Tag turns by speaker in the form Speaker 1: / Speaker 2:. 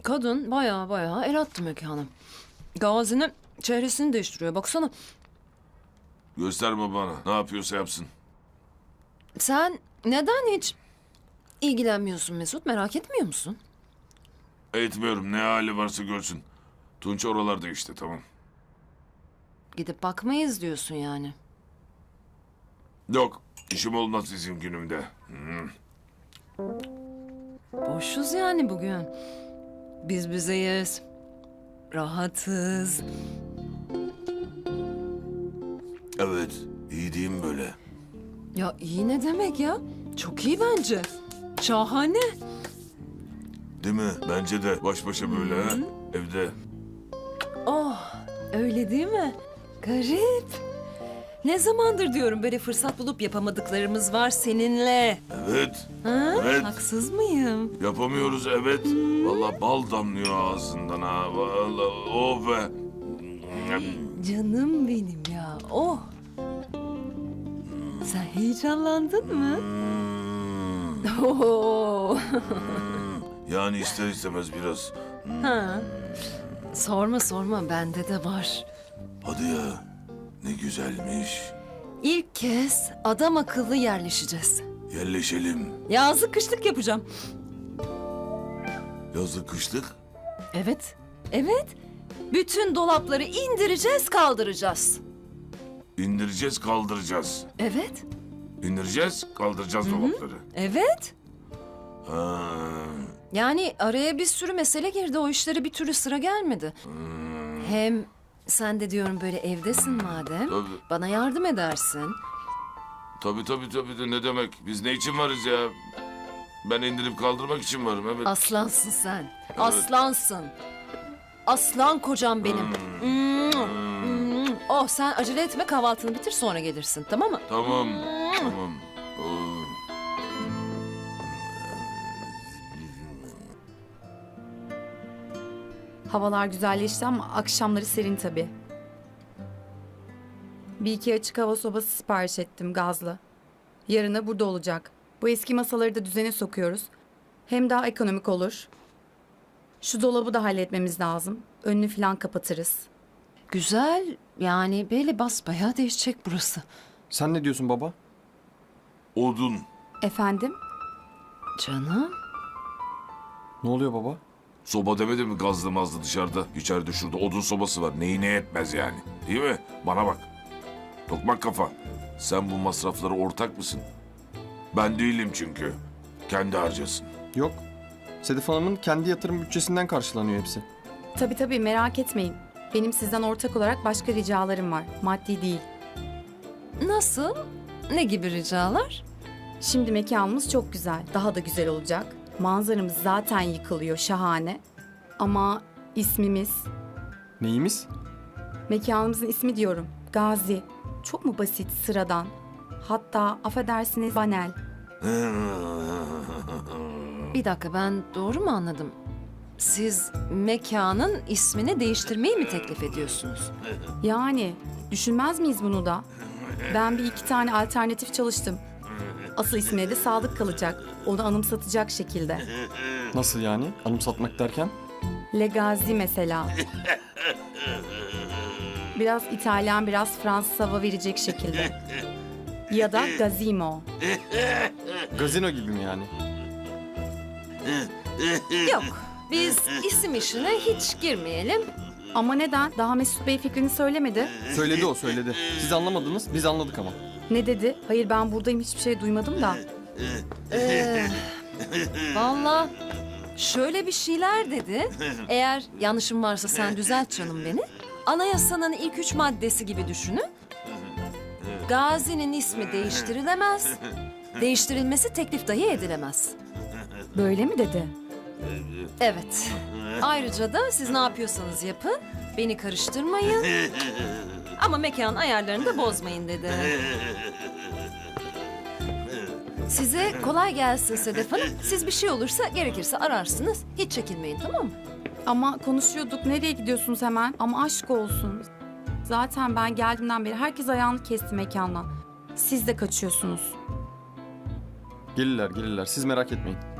Speaker 1: Kadın baya el attı mekana. Gazi'nin çehresini değiştiriyor. Baksana.
Speaker 2: Gösterme bana. Ne yapıyorsa yapsın.
Speaker 1: Sen neden hiç ilgilenmiyorsun Mesut? Merak etmiyor musun?
Speaker 2: Etmiyorum. Ne hali varsa görsün. Tunç oralarda işte, tamam.
Speaker 1: Gidip bakmayız diyorsun yani.
Speaker 2: Yok. İşim olmaz bizim günümde.
Speaker 1: Boşuz yani bugün. Biz bizeyiz. Rahatız.
Speaker 2: Evet. İyi değil mi böyle?
Speaker 1: Ya iyi ne demek ya? Çok iyi bence. Şahane.
Speaker 2: Değil mi? Bence de baş başa böyle ha. Evde.
Speaker 1: Oh, öyle değil mi? Garip. Ne zamandır diyorum böyle fırsat bulup yapamadıklarımız var seninle.
Speaker 2: Evet.
Speaker 1: Ha?
Speaker 2: Evet.
Speaker 1: Haksız mıyım?
Speaker 2: Yapamıyoruz, evet. Vallahi bal damlıyor ağzından ha. Vallahi oh be.
Speaker 1: Canım benim ya. Oh. Sen heyecanlandın mı? Oo.
Speaker 2: Yani ister istemez biraz.
Speaker 1: Ha. Sorma bende de var.
Speaker 2: Hadi ya. Ne güzelmiş.
Speaker 1: İlk kez adam akıllı yerleşeceğiz.
Speaker 2: Yerleşelim.
Speaker 1: Yazlık kışlık yapacağım.
Speaker 2: Yazlık kışlık.
Speaker 1: Evet. Bütün dolapları indireceğiz, kaldıracağız.
Speaker 2: İndireceğiz, kaldıracağız.
Speaker 1: Evet.
Speaker 2: İndireceğiz, kaldıracağız dolapları.
Speaker 1: Evet.
Speaker 2: Ha.
Speaker 1: Yani araya bir sürü mesele girdi. O işlere bir türlü sıra gelmedi. Hem sen de diyorum böyle evdesin madem.
Speaker 2: Tabii.
Speaker 1: Bana yardım edersin.
Speaker 2: Tabii de ne demek? Biz ne için varız ya? Ben indirip kaldırmak için varım, evet.
Speaker 1: Aslansın sen. Aslansın. Aslan kocam benim. Oh, sen acele etme, kahvaltını bitir sonra gelirsin, tamam mı?
Speaker 2: Tamam. Oo.
Speaker 3: Havalar güzelleşti ama akşamları serin tabii. Bir iki açık hava sobası sipariş ettim gazlı. Yarına burada olacak. Bu eski masaları da düzene sokuyoruz. Hem daha ekonomik olur. Şu dolabı da halletmemiz lazım. Önünü falan kapatırız.
Speaker 1: Güzel, yani böyle basbayağı değişecek burası.
Speaker 4: Sen ne diyorsun baba?
Speaker 2: Odun.
Speaker 3: Efendim?
Speaker 1: Canım.
Speaker 4: Ne oluyor baba?
Speaker 2: Soba demedi mi gazlı mazlı dışarıda? İçeride şurada odun sobası var. Neyi ne etmez yani. Değil mi? Bana bak. Tokmak kafa. Sen bu masraflara ortak mısın? Ben değilim çünkü. Kendi harcasın.
Speaker 4: Yok. Sedef Hanım'ın kendi yatırım bütçesinden karşılanıyor hepsi.
Speaker 3: Tabii merak etmeyin. Benim sizden ortak olarak başka ricalarım var. Maddi değil.
Speaker 1: Nasıl? Ne gibi ricalar?
Speaker 3: Şimdi mekanımız çok güzel. Daha da güzel olacak. Manzaramız zaten yıkılıyor. Şahane. Ama ismimiz...
Speaker 4: Neyimiz?
Speaker 3: Mekanımızın ismi diyorum. Gazi. Çok mu basit, sıradan? Hatta affedersiniz banal.
Speaker 1: Bir dakika, ben doğru mu anladım? Siz mekanın ismini değiştirmeyi mi teklif ediyorsunuz?
Speaker 3: Yani düşünmez miyiz bunu da? Ben bir iki tane alternatif çalıştım. Asıl ismine de sadık kalacak. Onu anımsatacak şekilde.
Speaker 4: Nasıl yani? Anımsatmak derken?
Speaker 3: Legazi mesela. Biraz İtalyan, biraz Fransız hava verecek şekilde. Ya da Gazimo.
Speaker 4: Gazino gibi mi yani?
Speaker 1: Yok, biz isim işine hiç girmeyelim.
Speaker 3: Ama neden? Daha Mesut Bey fikrini söylemedi.
Speaker 4: Söyledi o, söyledi. Siz anlamadınız, biz anladık ama.
Speaker 3: Ne dedi? Hayır ben buradayım hiçbir şey duymadım da.
Speaker 1: Vallahi şöyle bir şeyler dedi. Eğer yanlışım varsa sen düzelt canım beni. Anayasanın ilk 3 maddesi gibi düşünün. Gazi'nin ismi değiştirilemez. Değiştirilmesi teklif dahi edilemez.
Speaker 3: Böyle mi dedi?
Speaker 1: Evet. Ayrıca da siz ne yapıyorsanız yapın. Beni karıştırmayın. Ama mekan ayarlarını da bozmayın dedi. Size kolay gelsin Sedef Hanım. Siz bir şey olursa gerekirse ararsınız. Hiç çekinmeyin, tamam mı?
Speaker 3: Ama konuşuyorduk. Nereye gidiyorsunuz hemen? Ama aşk olsun. Zaten ben geldiğimden beri herkes ayağını kesti mekandan. Siz de kaçıyorsunuz.
Speaker 4: Gelirler, gelirler. Siz merak etmeyin.